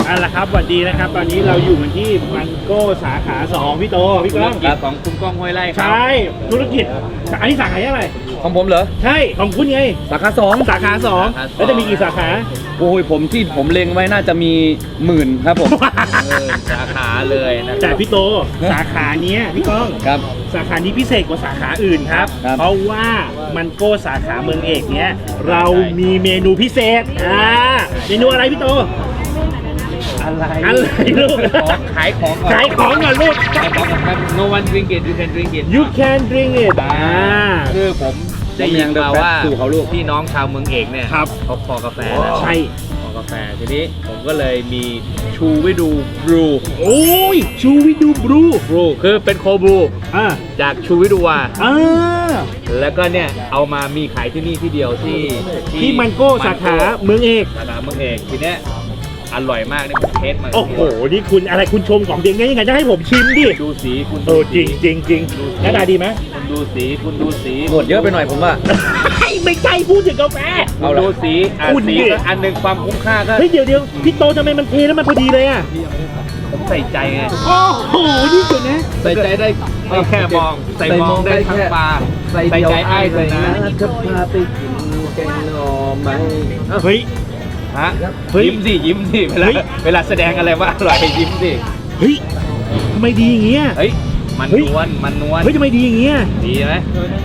เอาละครับสวัสดีนะครับตอนนี้เราอยู่กันที่มันโก้สาขา2พี่โตพี่ก้องของคุณก้องห้วยไร่ครับใช่ธุรกิจอันนี้สาขาอะไรของผมเหรอใช่ของคุณไงสาขา2 สาขา2แล้วจะมีกี่สาขาโอ้ยผมเล็งไว้น่าจะมี10,000ครับผมสาขาเลยนะแต่พี่โตสาขาเนี้ยพี่ก้องครับสาขานี้พิเศษกว่าสาขาอื่นครับครับเพราะว่ามันโก้สาขาเมืองเอกเนี้ยเรามีเมนูพิเศษเมนูอะไรพี่โตอะไรลูกขายของก่อนขายของก่อนลูกขายของก่อนครับ no one drink it you can drink it You can drink it คือผมได้ยินมาว่าสู่เขาลูกพี่น้องชาวเมืองเอกเนี่ยครับเขาคอกาแฟนะใช่คอกาแฟทีนี้ผมก็เลยมีชูวิดูบรูโอ้ยชูวิดูบรูคือเป็นโคบรูอ่าจากชูวิดูวาอ่าแล้วก็เนี่ยเอามามีขายที่นี่ที่เดียวที่มันโก้สาขาเมืองเอกสาขาเมืองเอกทีเนี้ยอร่อยมากนี่ผมเทสมาโอ้โหนี่คุณอะไรคุณชมของเด็กไงยังไงจะให้ผมชิมดิดูสีคุณเออจริงจริงจริงหน้าตาดีไหมคุณดูสีคุณดูสีหมดเยอะไปหน่อยผมว่าไม่ใช่พูดถึงกาแฟคุณดูสีคุณสีดิก็อันหนึ่งความคุ้มค่าก็เฮ้ยเดี๋ยวพี่โตทำไมมันเทแล้วมันพอดีเลยอ่ะผมใส่ใจไงโอ้โหนี่สุดนะใส่ใจได้ไม่แค่มองใส่มองได้ทั้งปลาใส่ใจไอ้เลยนะจะพาไปกินแกงหน่อไม้เฮ้ยฮะเฮ้ยยิ้มสิเวลาแสดงอะไรว่าอร่อยยิ้มสิเฮ้ยทำไมดีอย่างเงี้ยเฮ้ยมันเฮ้ยนวลมันนวลเฮ้ยทำไมดีอย่างเงี้ยดีไหม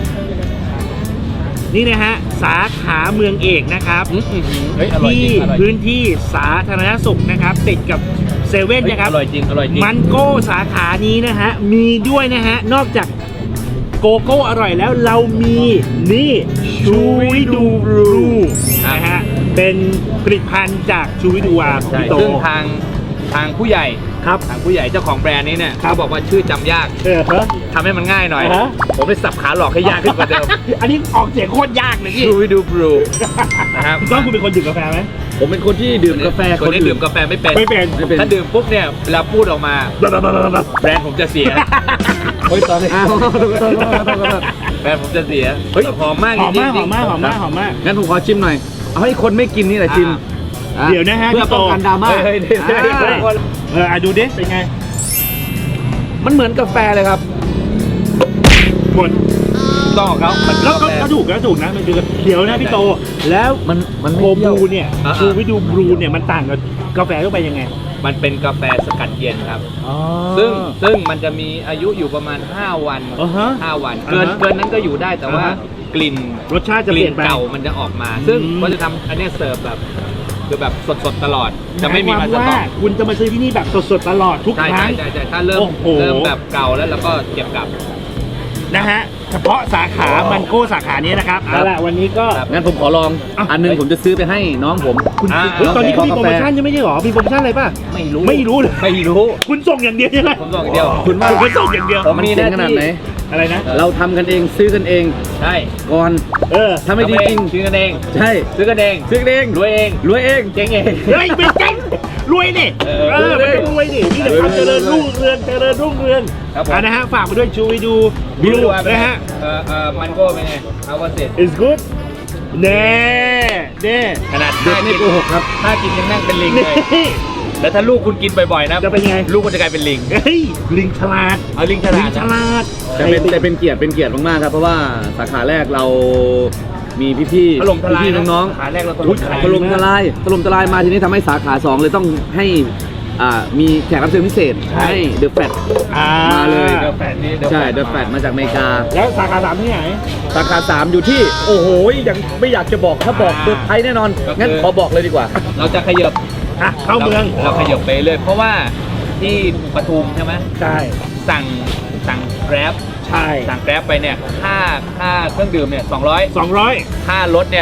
นี่นะฮะสาขาเมืองเอกนะครับเฮ้ยอร่อยจที่ริงอร่อยจริพื้งนที่สาธารณสุขนะครับติดกับเซเว่นนะครับอร่อยจริงอร่อยจริงมันโก้สาขานี้นะฮะมีด้วยนะฮะนอกจากโกโก้อร่อยแล้วเรามีนี่ชูวิดูบรูนะฮะเป็นผลิตภัณฑ์จากชูวิดูวาใช่พี่โตซึ่งทางผู้ใหญ่ครับทางผู้ใหญ่เจ้าของแบรนด์นี้เนี่ยครับเขาบอกว่าชื่อจำยากฮะทำให้มันง่ายหน่อยอ่าฮะผมเลยสับขาหลอกให้ยากขึ้นกว่าเดิมอันนี้ออกเสียงโคตรยากเลยพี่ชูวิดูบรูนะครับพี่ก้องคุณเป็นคนดื่มกาแฟไหมผมเป็นคนที่ดื่มกาแฟคนที่ดื่มกาแฟไม่เป็นไม่เป็นถ้าดื่มปุ๊บเนี่ยเวลาพูดออกมาแบรนด์ผมจะเสียเฮ้ยตอนนี้แบรนด์ผมจะเสียเฮ้ยหอมมากหอมจริมากงหอมมากหอมมากหอมมากงั้นผมขอชิมหน่อย เอาให้คนไม่กินนี่แหละชิมเดี๋ยวนะฮะเพื่อพี่โตป้องกันดราม่าเฮ้ยดูดิเป็นไงมันเหมือนกาแฟเลยครับหมดต้องของเขามันแล้วก็ถูกนะมันคือเดี๋ยวนะพี่โต แล้วมันโกไม่เปรี้บยวรูเนี่ยชูวิดูบรูเนี่ยมันต่างกับกาแฟทั่วไปยังไงมันเป็นกาแฟสกัดเย็นครับอ๋อซึ่งมันจะมีอายุอยู่ประมาณ5 วันอ่าฮะ 5 วันอ่าฮะเกินนั้นก็อยู่ได้แต่ว่าอ่าฮะกลิ่นรสชาติจะกเปลี่ลิ่ยนนไปเก่ามันจะออกมา ซึ่งอืมก็จะทำอันเนี้ยเสิร์ฟแบบคือแบบสดๆตลอด จะไม่มีหมายสควต็ว่าอกคุณจะมาซื้อที่นี่แบบสดๆตลอดทุกใช่ครั้งใช่ถ้าเริ่มโอ้โหแบบเก่าแล้วเราก็เก็บกลับนะฮะเฉพาะสาขามันโก้สาขานี้นะครับเอาล่ะวันนี้ก็ครับงั้นผมขอลองอ่ะอันหนึงผมจะซื้อไปให้น้องผมคุณอ่าเฮ้ยตอนนี้เขามีกาแฟโปรโมชั่นใช่ไหมใช่หรอมีโปรโมชั่นอะไรป่ะไม่รู้ไม่รู้เลยไม่รู้คุณส่งอย่างเดียวใช่ไหมผมบอกอย่างเดียวคุณว่าคุณก็ส่งอย่างเดียวผมมันมีหเจ๋งน้าที่ขนาดไหนอะไรนะเราทำกันเองซื้อกันเองใช่ก่อนเออถ้าไม่ดีจริงซื้อกันเองใช่ซื้อกันเองซื้อกันเองรวยเองรวยเองเจ๊งเองเฮ้ยไม่เจ๊งรวยนี่เออมันต้องรวยนี่นี่แหละความเจริญรุ่งเรืองเจริญรุ่งเรืองครับผมนะฮะฝากไปด้วยชูวิดูบลูนะฮะมันก็เป็นไงเอาว่าเสร็จ is good เน่เน่ขนาดเด็กไม่โกหกครับถ้ากินยังนั่งเป็นลิงนี่เลยแล้วถ้าลูกคุณกินบ่อยๆนะจะเป็นไงลูกคุณจะกลายเป็นลิงเฮ้ยลิงฉลาดเอาลิงฉลาลิดงฉลาดแต่เป็นเกียรติมากๆครับ เพราะว่าสาขาแรกเรามีพี่ๆถล่มทลายพี่ๆน้องขาแรกเราถอุ๊ล่ยมทลายๆถล่มทลายมาทีนี้ทำให้สาขา2เลยต้องให้มีแขกรับเชิญพิเศษให้เดอะแฟต มาเลยเดี๋ยวแฟนนี่ใช่เดอะแฟตมาจากอเมริกาแล้วสาขา3ที่ไหนสาขา3อยู่ที่โอ้โหยังไม่อยากจะบอกถ้าบอกเซอร์ไพรส์แน่นอน งั้นขอบอกเลยดีกว่าเราจะขยับอ่ะเข้าเมืองเราขยับไปเลย เพราะว่าที่ปทุมใช่ไหมใช่สั่งแกร็บใช่สั่งแกร็บไปเนี่ยค่าเครื่องดื่มเนี่ย200 200 ค่ารถเนี่ย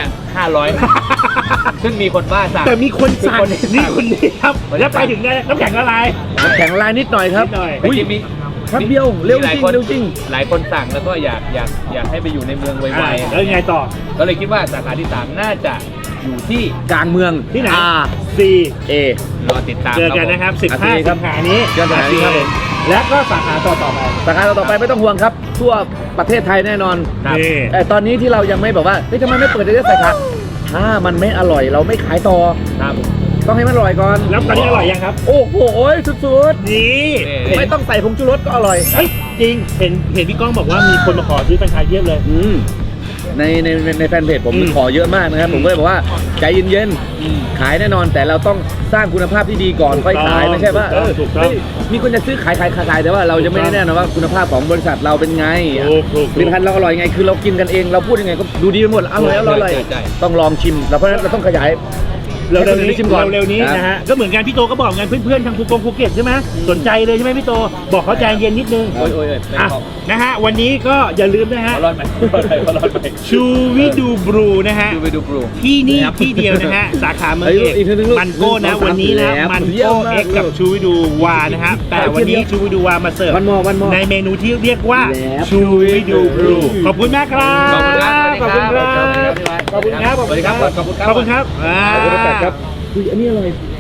500 ซึ่งมีคนบ้าสั่งแต่มีคนสั่งมีคนสั่งนี่คนนี้ครับแล้วไปถึงได้น้ำแข็งละลายแข็งลายนิดหน่อยครับนิดหน่อยอุ้ยจริงๆมีครับเดียวเร็วมีหลายจริงคนเร็วจริงหลายคนสั่งแล้วก็อยากให้ไปอยู่ในเมืองไวแล้วยังไงต่อๆก็เลยคิดว่าสาขาที่3น่าจะอยู่ที่กลางเมืองที่ไหน R C A รอติดตามเจอกันนะครับครับผม 15 สิงหานี้เจอกันครับผมและก็สาขาต่อไปสาขาต่อไปไม่ต้องห่วงครับ ทั่วประเทศไทยแน่นอนครับนี่แต่ตอนนี้ที่เรายังไม่แบบว่าเฮ้ยทำไมไม่เปิดได้สาขาถ้ามันไม่อร่อยเราไม่ขายต่อครับต้องให้มันอร่อยก่อนแล้วตอนนี้อร่อยยังครับโอ้โหสุดนี่ๆไม่ต้องใส่ผงชูรสก็อร่อยเฮ้ยจริงเห็นพี่ก้องบอกว่ามีคนมาขอซื้อแฟรนไชส์เยอะเลยในแฟนเพจผมอืมขอเยอะมากนะครับผมก็เลยบอกว่าใจเย็นๆขายแน่นอนแต่เราต้องสร้างคุณภาพที่ดีก่อนค่อยขายไม่ใช่ว่าถูกต้องเฮ้ยมีคนจะซื้อขายแต่ว่าเราจะไม่ได้แน่นอนว่าคุณภาพของบริษัทเราเป็นไงถูกผลิตภัณฑ์เราอร่อยไงคือเรากินกันเองเราพูดยังไงก็ดูดีไปหมดอร่อยใช่ต้องลองชิมเพราะฉะนั้นเราต้องขยายเร็วให้คนอื่นได้ชิมก่อนเร็วนี้นะฮะก็เหมือนกันพี่โตก็บอกงานเพื่อนๆทางภูเก็ตใช่ไหมสนใจเลยใช่ไหมพี่โตบอกเขาใจเย็นนิดนึงโอ้ยอ่ะนะฮะวันนี้ก็อย่าลืมนะฮะร้อนไหมชูวิดูบรูนะฮะดูไปดูปลูกที่นี่ที่เดียวนะฮะ สาขาเมืองเอกอีกทีนึงลูกมันโก้นะ 1 2 3 วันนี้นะแล้วมันเยี่ยโก้มมากเอ็กกับลูกชูวิดูวานะฮะแต่วันนี้ชูวิดูวามาเสิร์ฟวันมอในเมนูที่เรียกว่าแล้วชูวิดูบรูขอบคุณมากครับขอบคุณครับขอบคุณครับขอบคุณครับสวัสดีครับขอบคุณครับขอบคุณครับขอบคุณครับขอบคุณครับอุ้ยอันนี้อร่อย